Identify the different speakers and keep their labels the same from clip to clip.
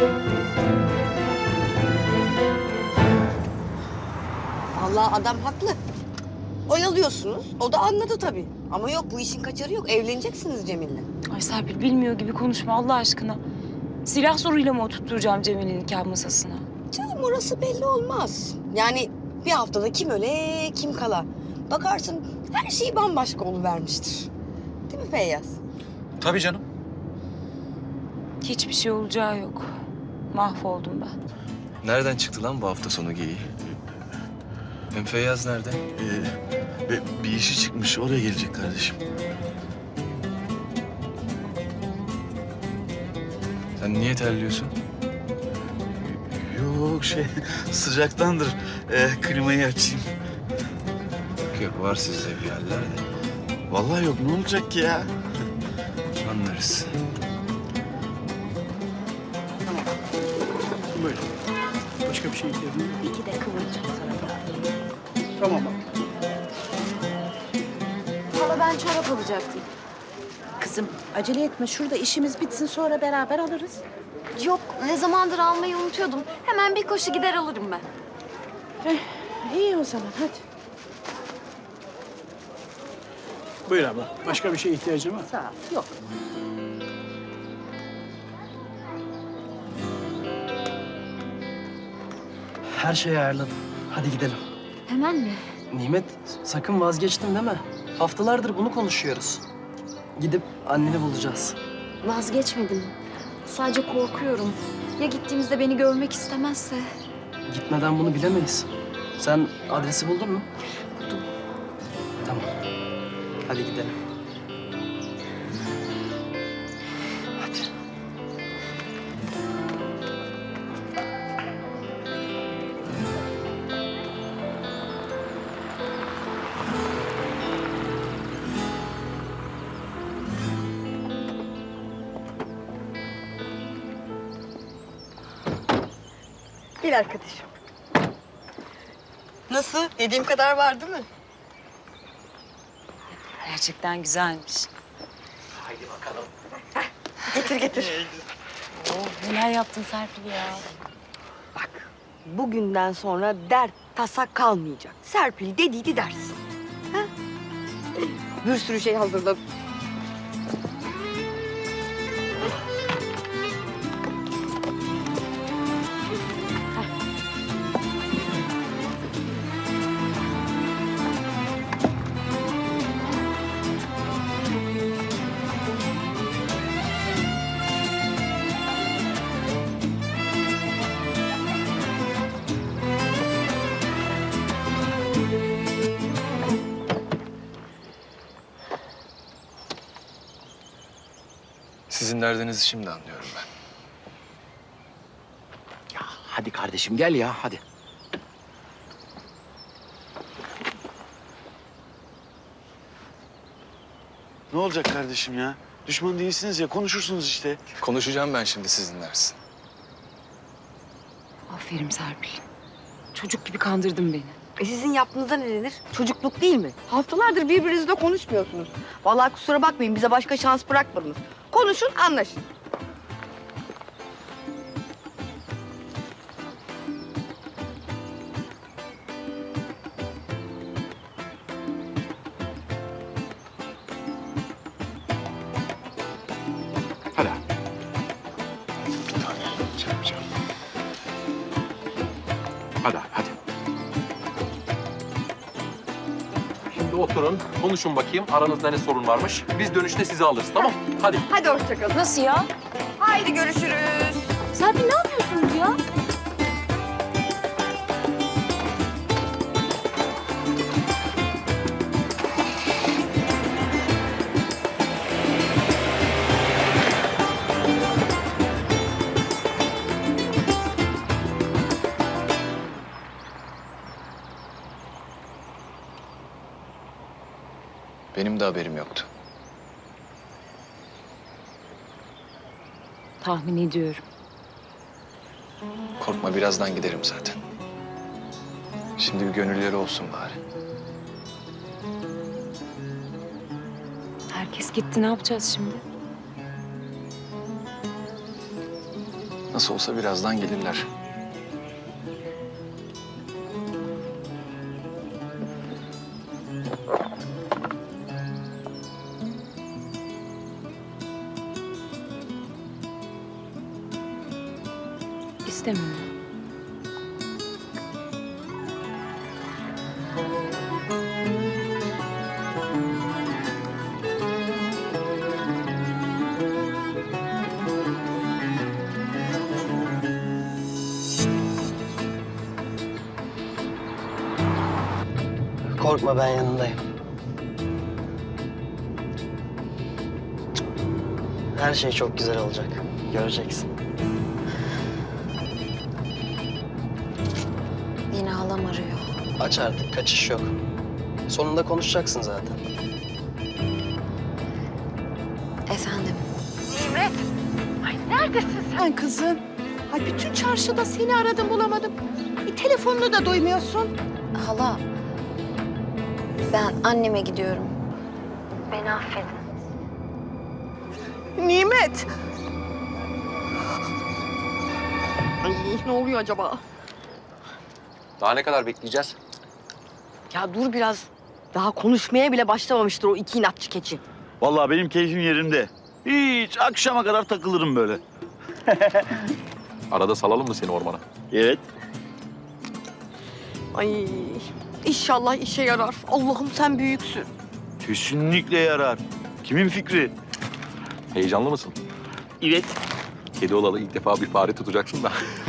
Speaker 1: Vallahi adam haklı. Oyalıyorsunuz. O da anladı tabii. Ama yok, bu işin kaçarı yok. Evleneceksiniz Cemil'le.
Speaker 2: Ay Serpil, bilmiyor gibi konuşma Allah aşkına. Silah zoruyla mı oturtturacağım Cemil'in nikah masasına?
Speaker 1: Canım, orası belli olmaz. Yani bir haftada kim öle kim kala. Bakarsın her şey bambaşka oluvermiştir. Değil mi Feyyaz?
Speaker 3: Tabii canım.
Speaker 2: Hiçbir şey olacağı yok. Mahvoldum ben.
Speaker 4: Nereden çıktı lan bu hafta sonu geyiği? Hem Feyyaz nerede?
Speaker 5: Bir işi çıkmış, oraya gelecek kardeşim.
Speaker 4: Sen niye terliyorsun?
Speaker 5: Yok sıcaktandır. Klimayı açayım.
Speaker 4: Yok var sizde bir yerlerde.
Speaker 5: Vallahi yok, ne olacak ki ya?
Speaker 4: Anlarız.
Speaker 6: Buyurun. Başka bir şey ihtiyacın var mı?
Speaker 1: İki de kıvıracağım sana.
Speaker 6: Tamam bak.
Speaker 7: Hala ben çorap alacaktım. Kızım acele etme. Şurada işimiz bitsin sonra beraber alırız.
Speaker 8: Yok, ne zamandır almayı unutuyordum. Hemen bir koşu gider alırım ben.
Speaker 7: İyi o zaman hadi.
Speaker 6: Buyur abla. Başka bir şeye ihtiyacın var mı?
Speaker 7: Sağ ol. Yok.
Speaker 9: Her şeyi ayarladım. Hadi gidelim.
Speaker 8: Hemen mi?
Speaker 9: Nimet, sakın vazgeçtin deme. Haftalardır bunu konuşuyoruz. Gidip anneni bulacağız.
Speaker 8: Vazgeçmedim. Sadece korkuyorum. Ya gittiğimizde beni görmek istemezse?
Speaker 9: Gitmeden bunu bilemeyiz. Sen adresi buldun mu?
Speaker 8: Buldum.
Speaker 9: Tamam. Hadi gidelim. Hadi.
Speaker 1: Gel arkadaşım. Nasıl? Dediğim kadar var değil mi?
Speaker 2: Gerçekten güzelmiş.
Speaker 1: Getir getir.
Speaker 2: Oh, neler yaptın Serpil ya?
Speaker 1: Bak, bugünden sonra dert tasa kalmayacak. Serpil dediydi dersin. Ha? Bir sürü şey hazırladım.
Speaker 4: Sizin derdinizi şimdi anlıyorum ben.
Speaker 10: Hadi kardeşim gel ya hadi.
Speaker 5: Ne olacak kardeşim ya? Düşman değilsiniz ya, konuşursunuz işte.
Speaker 4: Konuşacağım ben şimdi, siz dinlersin.
Speaker 2: Aferin Serpil. Çocuk gibi kandırdın beni.
Speaker 1: Sizin yaptığınızda ne denir? Çocukluk değil mi? Haftalardır birbirinizle konuşmuyorsunuz. Vallahi kusura bakmayın, bize başka şans bırakmadınız. Konuşun, anlaşın.
Speaker 10: Hadi. Hadi.
Speaker 11: Şimdi oturun, konuşun bakayım. Aranızda ne sorun varmış. Biz dönüşte sizi alırız, tamam? Hadi.
Speaker 1: Hadi hoşça kalın.
Speaker 2: Nasıl ya?
Speaker 1: Haydi görüşürüz.
Speaker 8: Serpil ne yapıyorsunuz ya?
Speaker 4: Benim de haberim yoktu.
Speaker 2: Tahmin ediyorum.
Speaker 4: Korkma, birazdan giderim zaten. Şimdi bir gönülleri olsun bari.
Speaker 2: Herkes gitti, ne yapacağız şimdi?
Speaker 4: Nasıl olsa birazdan gelirler.
Speaker 2: İstemiyorum.
Speaker 9: Korkma, ben yanındayım. Her şey çok güzel olacak. Göreceksin.
Speaker 8: Yine halam arıyor.
Speaker 9: Aç artık, kaçış yok. Sonunda konuşacaksın zaten.
Speaker 8: Efendim.
Speaker 7: Sen kızım. Ay bütün çarşıda seni aradım bulamadım. Bir telefonunu da duymuyorsun.
Speaker 8: Hala. Ben anneme gidiyorum. Beni affedin.
Speaker 1: Nimet! Ay ne oluyor acaba?
Speaker 11: Daha ne kadar bekleyeceğiz?
Speaker 1: Ya dur biraz. Daha konuşmaya bile başlamamıştır o iki inatçı keçi.
Speaker 5: Vallahi benim keyfim yerinde. Hiç akşama kadar takılırım böyle.
Speaker 11: Arada salalım mı seni ormana?
Speaker 5: Evet.
Speaker 1: Ay inşallah işe yarar. Allah'ım sen büyüksün.
Speaker 5: Kesinlikle yarar. Kimin fikri?
Speaker 11: Heyecanlı mısın?
Speaker 5: Evet.
Speaker 11: Kedi olalı ilk defa bir fare tutacaksın da.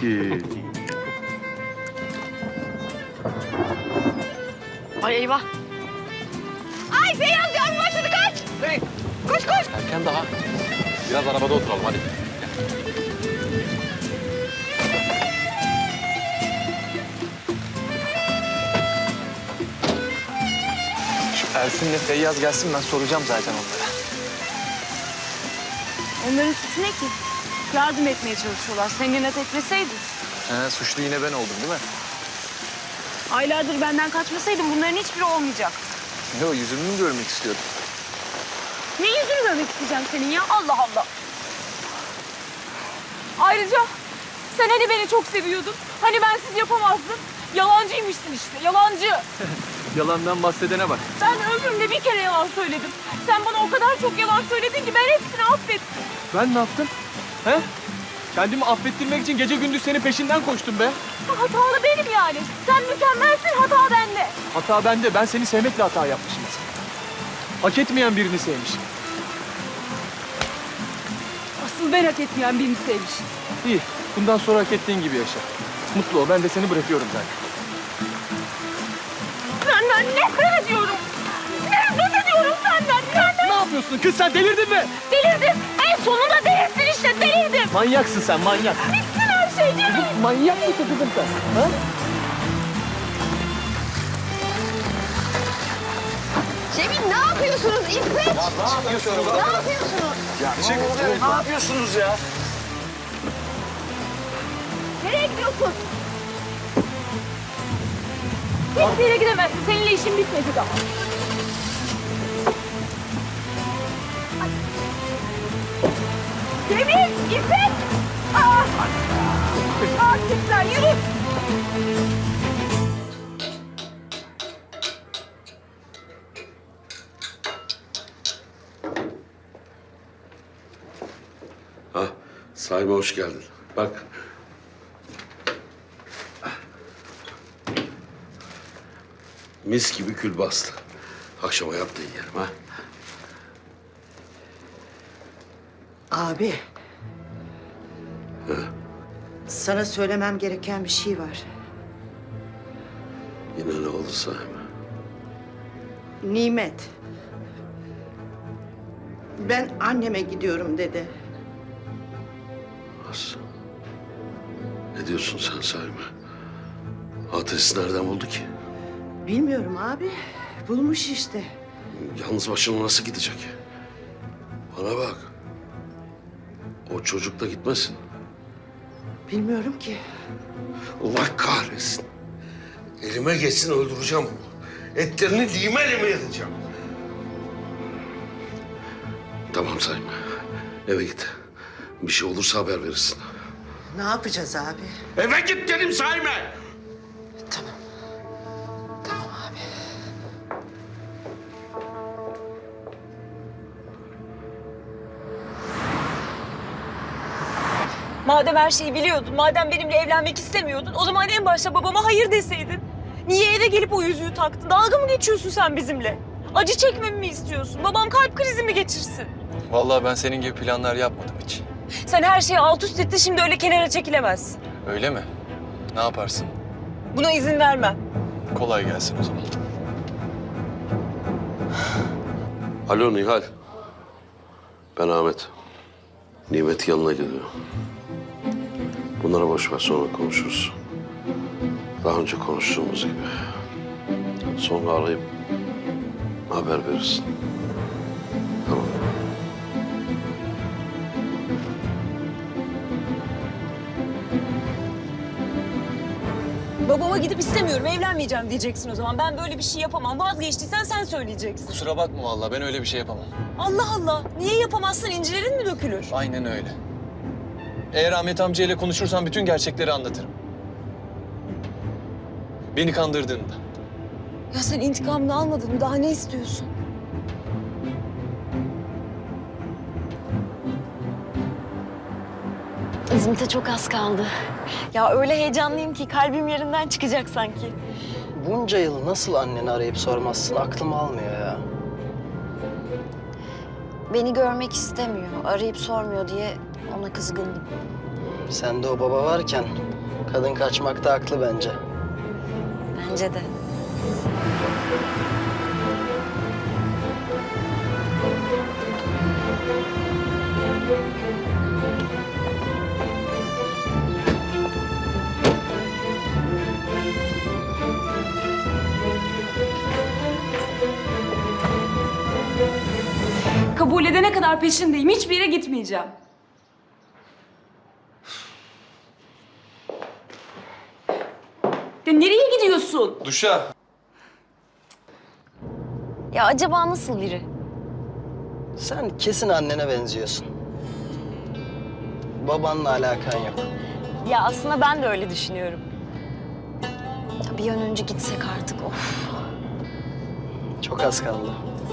Speaker 1: Ay eyvah. Ay Feyyaz yağmur başladı kaç.
Speaker 11: Hey!
Speaker 1: Koş koş.
Speaker 11: Erken daha. Biraz arabada oturalım hadi.
Speaker 4: Şu Elfin'le Feyyaz gelsin, ben soracağım zaten onlara.
Speaker 2: Onların suçu ne ki? Yardım etmeye çalışıyorlar. Sen gene tekleseydin.
Speaker 4: Suçlu yine ben oldum değil mi?
Speaker 2: Aylardır benden kaçmasaydın bunların hiçbiri olmayacak.
Speaker 4: Ne o, yüzümü mü görmek istiyordun?
Speaker 2: Ne yüzünü görmek isteyeceğim senin ya? Allah Allah. Ayrıca sen hani beni çok seviyordun. Hani bensiz yapamazdın. Yalancıymışsın işte, yalancı.
Speaker 11: Yalandan bahsedene bak.
Speaker 2: Ben ömrümde bir kere yalan söyledim. Sen bana o kadar çok yalan söyledin ki ben hepsini affettim.
Speaker 11: Ben ne yaptım? He? Kendimi affettirmek için gece gündüz senin peşinden koştum be.
Speaker 2: Hatalı benim yani. Sen mükemmelsin, hata bende.
Speaker 11: Hata bende. Ben seni sevmekle hata yapmışım mesela. Hak etmeyen birini sevmişim.
Speaker 2: Asıl ben hak etmeyen birini sevmişim.
Speaker 11: İyi. Bundan sonra hak ettiğin gibi yaşa. Mutlu ol. Ben de seni bırakıyorum zaten.
Speaker 2: Senden nefret ediyorum. Nefret ediyorum senden.
Speaker 11: Ne yapıyorsun kız, sen delirdin mi?
Speaker 2: Delirdim. En sonunda delirsin işte, delirdim.
Speaker 11: Manyaksın sen, manyak.
Speaker 2: Bitsin her şey Cemil.
Speaker 11: Manyak mısın kızım sen? Ha?
Speaker 1: Cemil ne yapıyorsunuz İffet?
Speaker 5: Ne yapıyorsunuz?
Speaker 1: Ne yapıyorsunuz?
Speaker 5: Ne yapıyorsunuz ya?
Speaker 2: Nereye gidiyorsun? Hiçbir yere gidemezsin. Seninle işim bitmedi daha. Ay. Cemil, İffet! Artıklar yürü!
Speaker 3: Sahibi hoş geldin. Bak. Mis gibi kül bastı. Akşama yap da yiyelim ha.
Speaker 7: Abi. Sana söylemem gereken bir şey var.
Speaker 3: Yine ne oldu sahibi?
Speaker 7: Nimet. Ben anneme gidiyorum dedi.
Speaker 3: Nasıl? Ne diyorsun sen sahibi? Adresi nereden buldu ki?
Speaker 7: Bilmiyorum abi. Bulmuş işte.
Speaker 3: Yalnız başına nasıl gidecek? Bana bak. O çocuk da gitmesin.
Speaker 7: Bilmiyorum ki.
Speaker 3: Allah kahretsin. Elime geçsin öldüreceğim onu. Etlerini lime lime edeceğim. Tamam Sayın. Eve git. Bir şey olursa haber verirsin.
Speaker 12: Ne yapacağız abi?
Speaker 3: Eve git dedim Saime.
Speaker 12: Tamam. Tamam abi.
Speaker 2: Madem her şeyi biliyordun, madem benimle evlenmek istemiyordun, o zaman en başta babama hayır deseydin. Niye eve gelip o yüzüğü taktın? Dalga mı geçiyorsun sen bizimle? Acı çekmemi mi istiyorsun? Babam kalp krizi mi geçirsin?
Speaker 4: Vallahi ben senin gibi planlar yapmadım hiç.
Speaker 2: Sen her şeyi alt üst ettin, şimdi öyle kenara çekilemezsin.
Speaker 4: Öyle mi? Ne yaparsın?
Speaker 2: Buna izin vermem.
Speaker 4: Kolay gelsin o zaman.
Speaker 3: Alo Nihal. Ben Ahmet. Nimet yanına gidiyor. Bunlara boş ver, sonra konuşuruz. Daha önce konuştuğumuz gibi. Sonra arayıp haber verirsin. Tamam.
Speaker 2: Babama gidip istemiyorum, evlenmeyeceğim diyeceksin o zaman. Ben böyle bir şey yapamam. Vazgeçtiysen sen söyleyeceksin.
Speaker 4: Kusura bakma vallahi ben öyle bir şey yapamam.
Speaker 2: Allah Allah. Niye yapamazsın? İncilerin mi dökülür?
Speaker 4: Aynen öyle. Eğer Ahmet amcayla konuşursan bütün gerçekleri anlatırım. Beni kandırdığında.
Speaker 2: Ya sen intikamını almadın mı? Daha ne istiyorsun?
Speaker 8: İzmit'e çok az kaldı. Ya öyle heyecanlıyım ki kalbim yerinden çıkacak sanki.
Speaker 9: Bunca yıl nasıl anneni arayıp sormazsın aklım almıyor ya.
Speaker 8: Beni görmek istemiyor, arayıp sormuyor diye ona kızgındım.
Speaker 9: Sende o baba varken kadın kaçmakta haklı bence.
Speaker 8: Bence de.
Speaker 2: Kabul edene kadar peşindeyim. Hiçbir yere gitmeyeceğim. Ya nereye gidiyorsun?
Speaker 4: Duşa.
Speaker 8: Ya acaba nasıl biri?
Speaker 9: Sen kesin annene benziyorsun. Babanla alakan yok.
Speaker 8: Ya aslında ben de öyle düşünüyorum. Ya bir an önce gitsek artık, of.
Speaker 9: Çok az kaldı.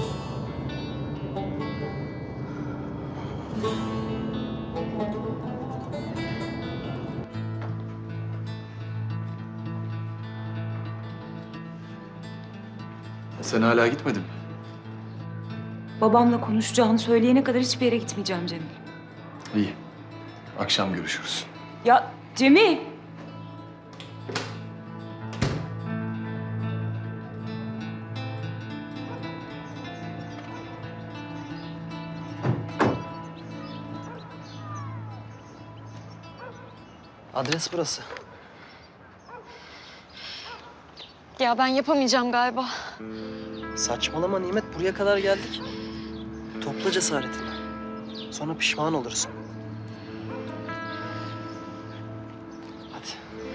Speaker 4: Sen hala gitmedin mi?
Speaker 2: Babamla konuşacağını söyleyene kadar hiçbir yere gitmeyeceğim Cemil.
Speaker 4: İyi. Akşam görüşürüz.
Speaker 2: Ya Cemil!
Speaker 9: Adres burası.
Speaker 8: Ya ben yapamayacağım galiba.
Speaker 9: Saçmalama Nimet, buraya kadar geldik. Topla cesaretini. Sonra pişman olursun. Hadi.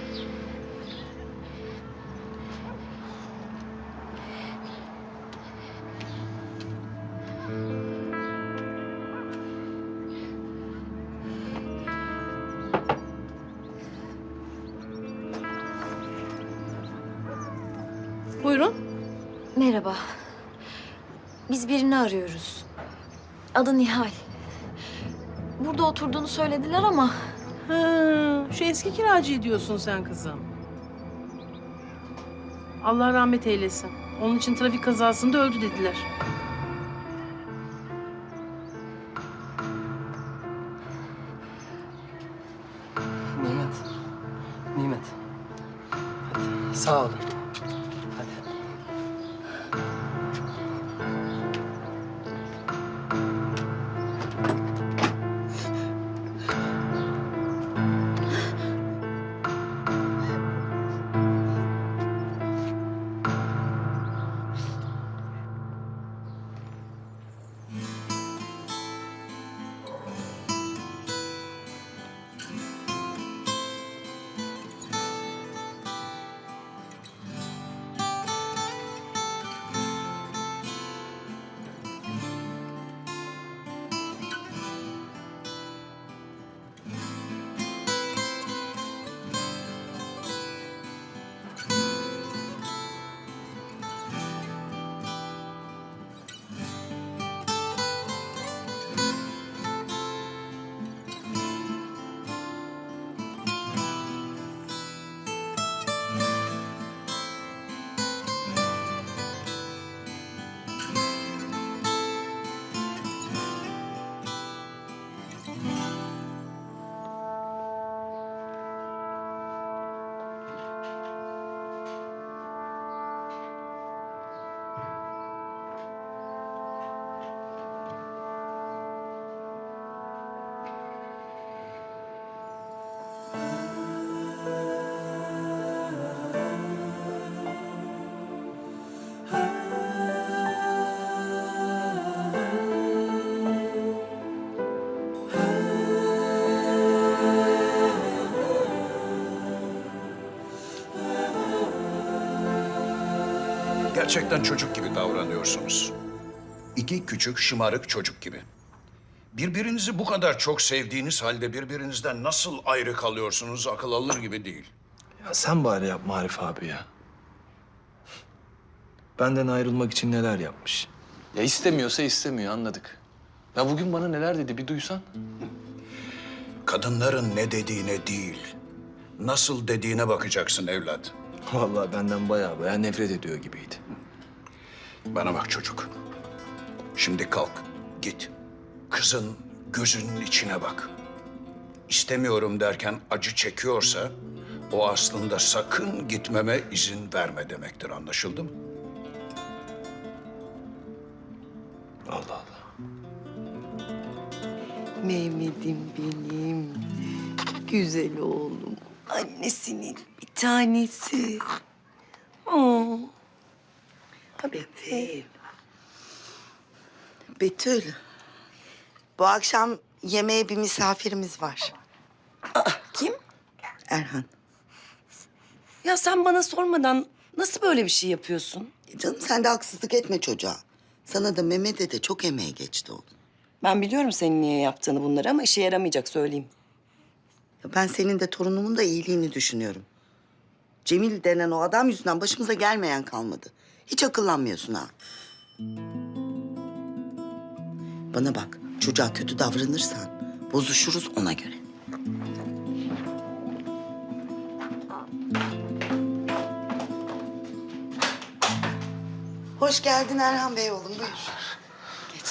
Speaker 7: Buyurun.
Speaker 8: Merhaba. Biz birini arıyoruz. Adı Nihal. Burada oturduğunu söylediler ama...
Speaker 7: Ha, şu eski kiracıyı diyorsun sen kızım. Allah rahmet eylesin. Onun için trafik kazasında öldü dediler.
Speaker 9: Nimet. Nimet. Hadi. Sağ olun. Hadi.
Speaker 13: Gerçekten çocuk gibi davranıyorsunuz. İki küçük şımarık çocuk gibi. Birbirinizi bu kadar çok sevdiğiniz halde birbirinizden nasıl ayrı kalıyorsunuz akıl alır gibi değil.
Speaker 4: Ya sen bari yapma Arif abi ya. Benden ayrılmak için neler yapmış. Ya istemiyorsa istemiyor, anladık. Ya bugün bana neler dedi bir duysan.
Speaker 13: Kadınların ne dediğine değil, nasıl dediğine bakacaksın evlat.
Speaker 4: Vallahi benden baya nefret ediyor gibiydi.
Speaker 13: Bana bak çocuk. Şimdi kalk, git. Kızın gözünün içine bak. İstemiyorum derken acı çekiyorsa... o aslında sakın gitmeme izin verme demektir, anlaşıldı mı?
Speaker 4: Allah Allah.
Speaker 12: Mehmet'im benim. Güzel oğlum. Annesinin bir tanesi. Oo. Bebeğim. Betül. Bu akşam yemeğe bir misafirimiz var.
Speaker 7: Kim?
Speaker 12: Erhan.
Speaker 7: Ya sen bana sormadan nasıl böyle bir şey yapıyorsun?
Speaker 12: Canım sen de haksızlık etme çocuğa. Sana da Mehmet'e de çok emeği geçti oğlum.
Speaker 7: Ben biliyorum senin niye yaptığını bunları ama işe yaramayacak söyleyeyim.
Speaker 12: Ya ben senin de torunumun da iyiliğini düşünüyorum. Cemil denen o adam yüzünden başımıza gelmeyen kalmadı. Hiç akıllanmıyorsun ha. Bana bak, çocuğa kötü davranırsan bozuşuruz ona göre. Hoş geldin Erhan Bey oğlum, buyur. Geç.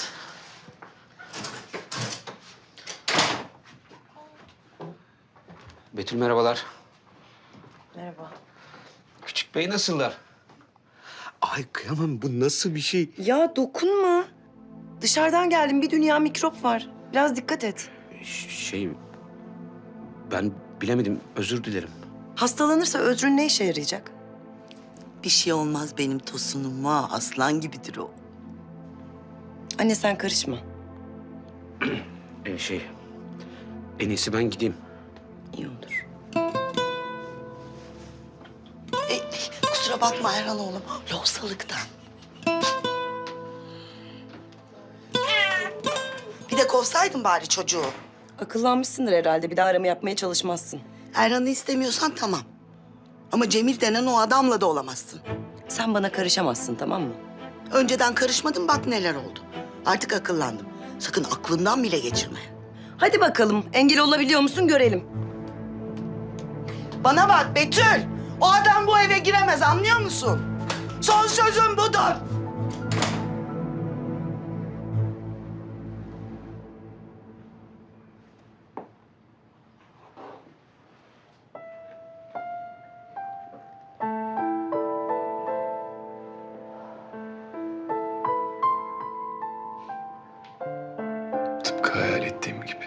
Speaker 14: Betül merhabalar.
Speaker 7: Merhaba.
Speaker 14: Küçük bey nasıllar? Ay kıyamam, bu nasıl bir şey?
Speaker 7: Ya dokunma. Dışarıdan geldim, bir dünya mikrop var. Biraz dikkat et.
Speaker 14: Ben bilemedim, özür dilerim.
Speaker 7: Hastalanırsa özrün ne işe yarayacak?
Speaker 12: Bir şey olmaz benim Tosun'uma, aslan gibidir o.
Speaker 7: Anne sen karışma.
Speaker 14: En iyisi ben gideyim.
Speaker 7: İyi olur.
Speaker 12: Kusura bakma Erhan oğlum, lohusalıktan. Bir de kovsaydın bari çocuğu.
Speaker 7: Akıllanmışsındır herhalde. Bir daha arama yapmaya çalışmazsın.
Speaker 12: Erhan'ı istemiyorsan tamam. Ama Cemil denen o adamla da olamazsın.
Speaker 7: Sen bana karışamazsın, tamam mı?
Speaker 12: Önceden karışmadım, bak neler oldu. Artık akıllandım. Sakın aklından bile geçirme.
Speaker 7: Hadi bakalım. Engel olabiliyor musun görelim.
Speaker 12: Bana bak Betül. O adam bu eve giremez, anlıyor musun? Son sözüm budur.
Speaker 4: Tıpkı hayal ettiğim gibi.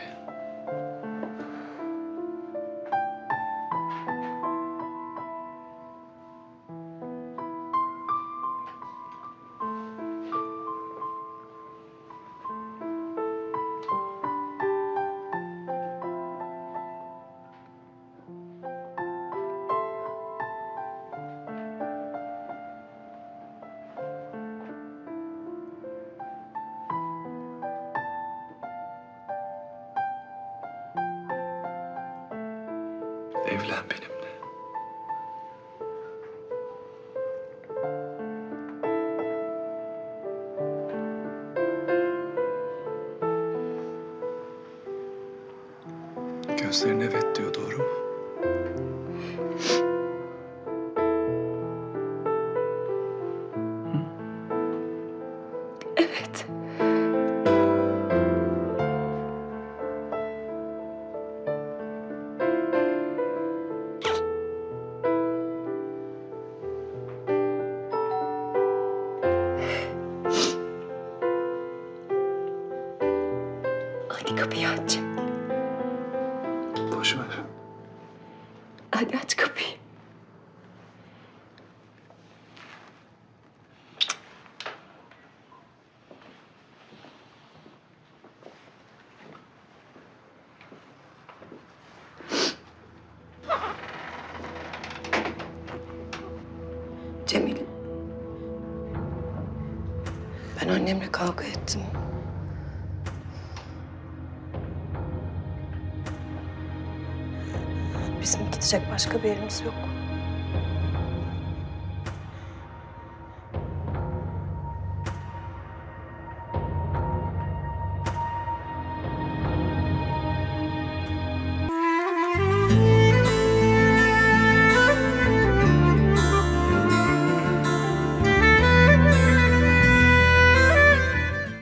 Speaker 4: Evlen benimle. Gözlerin evet diyor, doğru mu?
Speaker 7: Evet. Hadi kapıyı aç.
Speaker 4: Boş ver.
Speaker 7: Hadi aç kapıyı. Cemil,
Speaker 2: Ben annemle kavga ettim. Bizim gidecek başka bir yerimiz yok.